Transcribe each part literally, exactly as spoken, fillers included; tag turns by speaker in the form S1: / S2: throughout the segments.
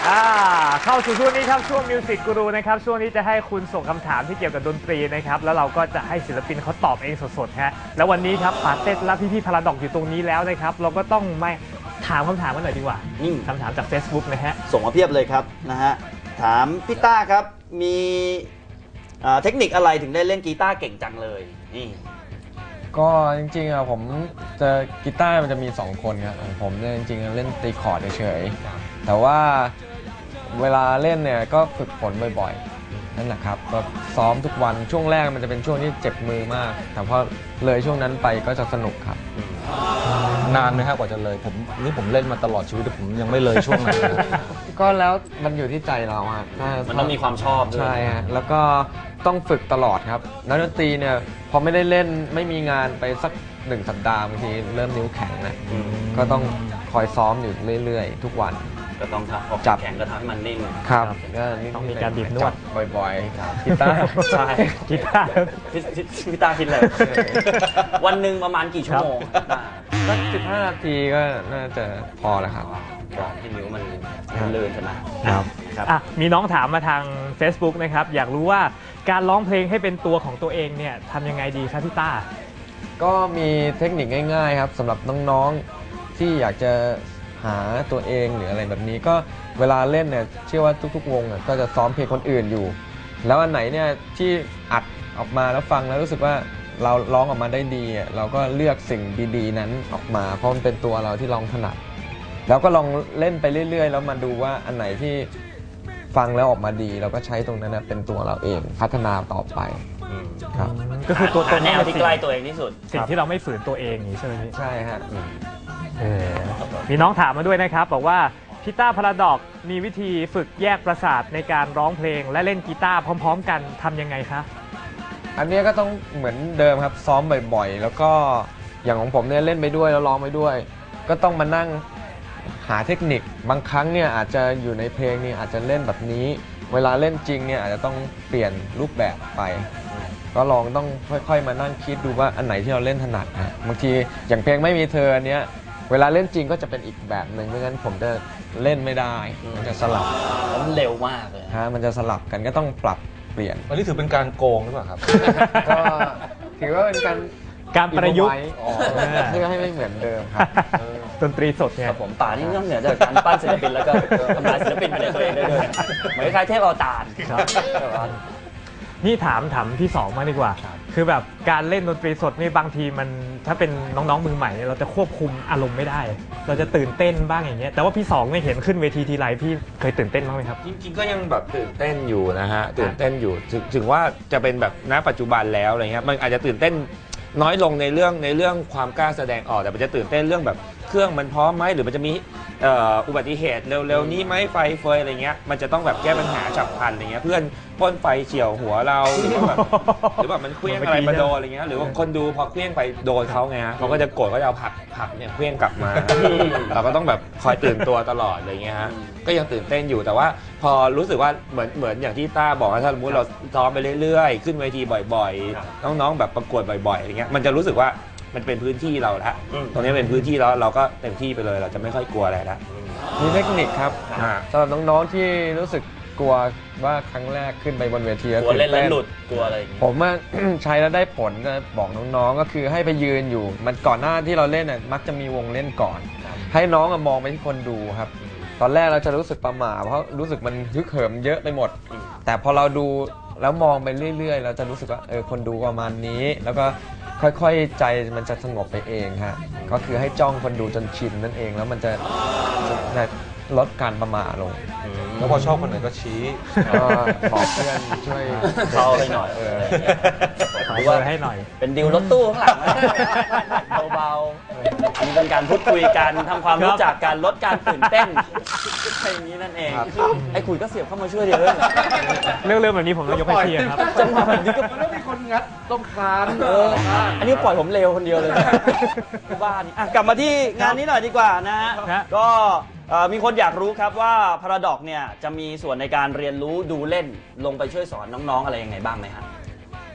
S1: เข้าสู่ช่วงนี้ครับช่วงมิวสิกกูรูนะครับช่วงนี้จะให้คุณส่งคำถามที่เกี่ยวกับดนตรีนะครับแล้วเราก็จะให้ศิลปินเขาตอบเองสดๆฮะแล้ววันนี้ครับปาเต้และพี่ๆพาราดอกอยู่ตรงนี้แล้วนะครับเราก็ต้องมาถามคำถามกันหน่อยดีกว่าคำถามจาก Facebook นะฮะ
S2: ส่งมาเพียบเลยครับนะฮะถามพี่ต้าครับมีเทคนิคอะไรถึงได้เล่นกีตาร์เก่งจังเลยนี่
S3: ก็จริงๆอะผมจะกีตาร์มันจะมีสองคนครับผมเนี่ยจริงๆเล่นตีคอร์ดเฉยๆแต่ว่าเวลาเล่นเนี่ยก็ฝึกฝนบ่อยๆนั่นแหละครับก็ซ้อมทุกวันช่วงแรกมันจะเป็นช่วงที่เจ็บมือมากแต่พอเลยช่วงนั้นไปก็จะสนุกครับ
S4: นานไหมครับกว่าจะเลยผมนี่ผมเล่นมาตลอดชีวิตแต่ผมยังไม่เลยช่วงนั้น
S3: ก็แล้วมันอยู่ที่ใจเราครับ
S2: มันต้องมีความชอบด้วย
S3: ใช่ฮะแล้วก็ต้องฝึกตลอดครับนักดนตรีเนี่ยพอไม่ได้เล่นไม่มีงานไปสักหนึ่งสัปดาห์บางทีเริ่มนิ้วแข็งนะก็ต้องคอยซ้อมอยู่เรื่อยๆทุกวัน
S2: ก็ต้องจับแข็งก็ทำให้มันนิ่ม
S3: ครับก็
S1: ต้องมีการบีบนวด
S3: บ่อยๆกีตาร์
S2: ใช่กีตาร์พี่ตาคิดเลยวันหนึ่งประมาณกี่ชั่วโมง
S3: สักสิบห้านาทีก็น่าจะพอแล้วครับ
S2: กรอบที่นิ้วมันเลื่อนใช่ไหม
S1: ครับอ่ะมีน้องถามมาทาง Facebook นะครับอยากรู้ว่าการร้องเพลงให้เป็นตัวของตัวเองเนี่ยทำยังไงดีครับพี่ต้า
S3: ก็มีเทคนิคง่ายๆครับสำหรับน้องๆที่อยากจะหาตัวเองหรืออะไรแบบนี้ก็เวลาเล่นเนี่ยเชื่อว่าทุกๆวงก็จะซ้อมเพลงคนอื่นอยู่แล้วอันไหนเนี่ยที่อัดออกมาแล้วฟังแล้วรู้สึกว่าเราร้องออกมาได้ดีเราก็เลือกสิ่งดีๆนั้นออกมาเพราะมันเป็นตัวเราที่ร้องถนัดแล้วก็ลองเล่นไปเรื่อยๆแล้วมาดูว่าอันไหนที่ฟังแล้วออกมาดีเราก็ใช้ตรงนั้นเป็นตัวเราเองพัฒนาต่อไปครับ
S2: ก็คือตัวตนแนวที่ใกล้ตัวเองที่สุด
S1: สิ่งที่เราไม่ฝืนตัวเองนี่ใช่ไหมพี่
S3: ใช่ฮะ
S1: มีน้องถามมาด้วยนะครับบอกว่าพี่ต้าพาราดอกมีวิธีฝึกแยกประสาทในการร้องเพลงและเล่นกีตาร์พร้อมๆกันทำยังไงคะ
S3: อันนี้ก็ต้องเหมือนเดิมครับซ้อมบ่อยๆแล้วก็อย่างของผมเนี่ยเล่นไปด้วยแล้วร้องไปด้วยก็ต้องมานั่งหาเทคนิคบางครั้งเนี่ยอาจจะอยู่ในเพลงนี่อาจจะเล่นแบบนี้เวลาเล่นจริงเนี่ยอาจจะต้องเปลี่ยนรูปแบบไปก็ลองต้องค่อยๆมานั่งคิดดูว่าอันไหนที่เราเล่นถนัดนะบางทีอย่างเพลงไม่มีเธออันเนี้ยเวลาเล่นจริงก็จะเป็นอีกแบบหนึ่งไม่งั้นผมจะเล่นไม่ได้มันจะสลับ
S2: มันเร็วมากเลย
S3: ฮะมันจะสลับกันก็ต้องปรับเปลี่ยน
S4: อันนี้ถือเป็นการโกงหรือเปล่าครับ
S3: ก็ถือว่าเป็นการ
S1: การประยุกต์
S3: เพื่อให้ไม่เหมือนเดิมครับ
S1: ดนตรีสดเนี่ย
S2: ผมป่านี่นอกเหนือจากการปั้นศิลปินแล้วก็ทำลายศิลปินไปในตัวเองได้ด้วยเหมือนคล้ายเทพอวตาร
S1: นี่ถามถามพี่สองมาดีกว่าคือแบบการเล่นดนตรีสดนี่บางทีมันถ้าเป็นน้องๆมือใหม่เราจะควบคุมอารมณ์ไม่ได้เราจะตื่นเต้นบ้างอย่างเงี้ยแต่ว่าพี่สองไม่เห็นขึ้นเวทีทีไรพี่เคยตื่นเต้นบ้างไหมครับ
S4: จริงๆก็ยังแบบตื่นเต้นอยู่นะฮะตื่นเต้นอยู่ถึงว่าจะเป็นแบบณปัจจุบันแล้วอะไรเงี้ยมันอาจจะตื่นเต้นน้อยลงในเรื่องในเรื่องความกล้าแสดงออกแต่มันจะตื่นเต้นเรื่องแบบเครื่องมันพร้อมไหมหรือมันจะมีอุบัติเหตุเร็วๆนี้ไหมไฟเฟยอะไรเงี้ยมันจะต้องแบบแก้ปัญหาฉับพลันอะไรเงี้ยเพื่อนพ่นไฟเฉี่ยวหัวเราหรือว่าแบบหรือแบบมันเคลื่องอะไรมาโดนอะไรเงี้ยหรือว่าคนดูพอเคลื่องไปโดนเขาไงเขาก็จะโกรธเขาจะเอาผักผักเนี่ยเคลื่องกลับมาเราก็ต้องแบบคอยตื่นตัวตลอดอะไรเงี้ยฮะก็ยังตื่นเต้นอยู่แต่ว่าพอรู้สึกว่าเหมือนเหมือนอย่างที่ต้าบอกว่าถ้าสมมติเราซ้อมไปเรื่อยๆขึ้นเวทีบ่อยๆน้องๆแบบประกวดบ่อยๆอะไรเงี้ยมันจะรู้สึกว่ามันเป็นพื้นที่เราแล้วตรงนี้เป็นพื้นที่แล้วเราก็เต็มที่ไปเลยเราจะไม่ค่อยกลัวอะไรแล้ว
S3: มีเทคนิคครับสำหรับน้องๆที่รู้สึกกลัวว่าครั้งแรกขึ้นไปบนเวที
S2: กลัวเล่นแล้วหลุดกลัวอะไร
S3: ผมว่าใช้แล้วได้ผลจะบอกน้องๆก็คือให้ไปยืนอยู่มันก่อนหน้าที่เราเล่นน่ะมักจะมีวงเล่นก่อนให้น้องมองไปที่คนดูครับตอนแรกเราจะรู้สึกประหม่าเพราะรู้สึกมันฮึกเหิมเยอะไปหมดแต่พอเราดูแล้วมองไปเรื่อยๆเราจะรู้สึกว่าเออคนดูประมาณนี้แล้วก็ค่อยๆใจมันจะสงบไปเองฮะก็คือให้จ้องคนดูจนชินนั่นเองแล้วมันจะลดการประมาทลง
S4: แล้วพอชอบคนไหนก็ชี้
S3: ก็บอกเพื่อนช่วย
S2: เข้าให้หน่อยเออ
S1: หรือว่าให้หน่อย
S2: เป็นดิวรถตู้ข้างหลังเบาๆนี่เป็นการพูดคุยกันทำความรู้จักการลดการตื่นเต้นแค่นี้นั่นเองไอ้คุยก็เสียบเข้ามาช่วยเดี๋ยว
S1: เรื่องเรื่องแบบนี้ผมต้องยกให้พี่ครับ
S2: จังหวะแบบนี้ก็
S4: ต้องมีคนงัดต้องคาน
S2: อันนี้ปล่อยผมเลวคนเดียวเลยบ้านี่กลับมาที่งานนี้หน่อยดีกว่านะฮะก็มีคนอยากรู้ครับว่าพาราดอกเนี่ยจะมีส่วนในการเรียนรู้ดูเล่นลงไปช่วยสอนน้องๆอะไรยังไงบ้างไหมครับ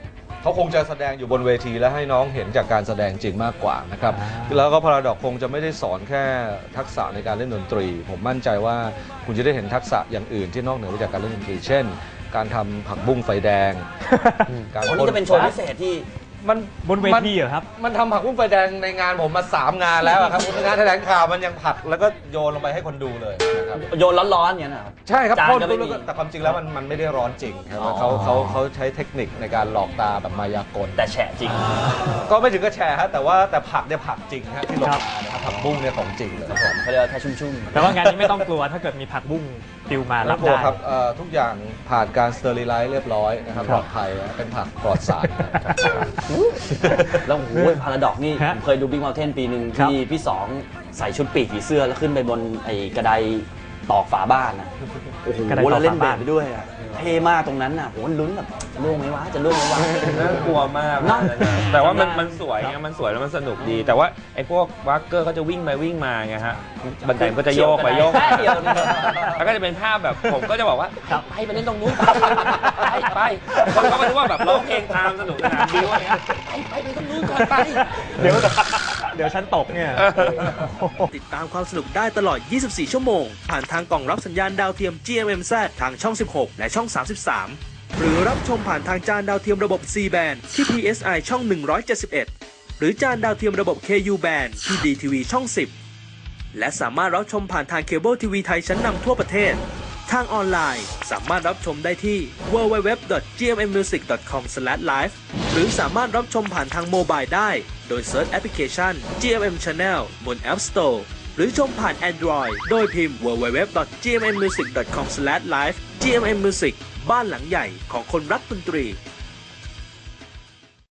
S5: เขาคงจะแสดงอยู่บนเวทีและให้น้องเห็นจากการแสดงจริงมากกว่านะครับแล้วก็พาราดอกคงจะไม่ได้สอนแค่ทักษะในการเล่นดนตรี ผมมั่นใจว่าคุณจะได้เห็นทักษะอย่างอื่นที่นอกเหนือไปจากการเล่นดนตรี เช่น การทำผักบุ้งไฟแดงการ
S2: วันนี้จะเป็นโชว์พิเศษที่
S5: มัน
S1: บนเวทีเหรอครับ
S5: มันทำผักบุ้งไฟแดงในงานผมมาสามงานแล้วอะครับงานแถลงข่าวมันยังผัดแล้วก็โยนลงไปให้คนดูเลยนะครับ
S2: โยนร้อนๆอย่างนี้นะครับ
S5: ใช่ครับ
S2: จาน
S5: พ่น
S2: ก็ไม่
S5: แล้ว
S2: มี
S5: ก็แต่ความจริงแล้วมันมันไม่ได้ร้อนจริงครับ
S2: อ๋อ
S5: เขาเขาเขาใช้เทคนิคในการหลอกตาแบบมายากล
S2: แต่แฉะจริง
S5: ก็ไม่ถึงกับแชร์ฮะแต่ว่าแต่ผักเนี่ยผักจริงฮะที่ลงมานะครับผักบุ้งเนี่ยของจริงเลย
S2: ครับผมเขาเรียกว่าแค่ชุ่มๆ
S1: แต่ว่างานนี้ไม่ต้องกลัวถ้าเกิดมีผักบุ้งปลิวมารับ
S5: กลัว
S1: ได้
S5: ครับเอ่อทุกอย่างผ่านการสเตอริไลซ์เรียบร้อยนะครับ
S1: ค
S5: ป
S1: รั
S5: ล
S1: บ
S5: อดภัยนะเป็นผักปลอดสารนะครับ
S2: แล้วโอ้ยพาราดอกนี่
S1: ฮะ
S2: ผมเคยดูบิ๊กเมลเทนปีหนึ่ง
S1: ครับ
S2: ที่พี่สองใส่ชุดปีกผีเสื้อแล้วขึ้นไปบนไอ้กระไดตอกฝาบ้านนะโอ้โห
S1: กระไดตอก
S2: แล้วเล่น
S1: ฝา
S2: เบ
S1: บ้าน
S2: สไปด้วยอะเท่มากตรงนั้นน่ะโหลุ้นแบบล่วงไหมวะจะล่วงไหมวะ
S4: น่ากลัวมาก
S2: เนอะ
S4: แต่ว่ามันมันสวยไงมันสวยแล้วมันสนุกดี แต่ว่าไอ้พวกวักเกอร์เขาจะวิ่งไปวิ่งมาไงฮะบันไดมันก็จะโยกไปโยกมา
S2: แค่เดียวนะครับ
S4: แล้วก็จะเป็นภาพแบบผมก็จะบอกว่า
S1: ครับ
S4: ไปไปเล่นตรงนู้นไปไปคนก็ไม่รู้ว่าแบบร้องเพลงตามสนุกสนานดีว่าเนี่ยไปไปไปตรงนู้นก่อนไป
S1: เดี๋ยวเดี๋ยวฉันตกเนี่ย
S6: ติดตามความสนุกได้ตลอด ยี่สิบสี่ ชั่วโมง ผ่านทางกล่องรับสัญญาณดาวเทียม จี เอ็ม เอ็ม แซด ทางช่อง สิบหก และช่อง สามสิบสาม หรือรับชมผ่านทางจานดาวเทียมระบบ ซี แบน ที่ พี เอส ไอ ช่อง หนึ่งร้อยเจ็ดสิบเอ็ด หรือจานดาวเทียมระบบ เค ยู แบน ที่ ดี ที วี ช่อง สิบ และสามารถรับชมผ่านทางเคเบิลทีวีไทยชั้นนำทั่วประเทศ ทางออนไลน์สามารถรับชมได้ที่ ดับเบิลยู ดับเบิลยู ดับเบิลยู ดอท จี เอ็ม เอ็ม มิวสิก ดอท คอม สแลช ไลฟ์ หรือสามารถรับชมผ่านทางโมบายได้ โดยเซิร์ชแอปพลิเคชัน จี เอ็ม เอ็ม Channel บน App Store หรือชมผ่าน Android โดยพิมพ์ ดับเบิลยู ดับเบิลยู ดับเบิลยู ดอท จี เอ็ม เอ็ม มิวสิก ดอท คอม สแลช ไลฟ์ จี เอ็ม เอ็ม Music บ้านหลังใหญ่ของคนรักดนตรี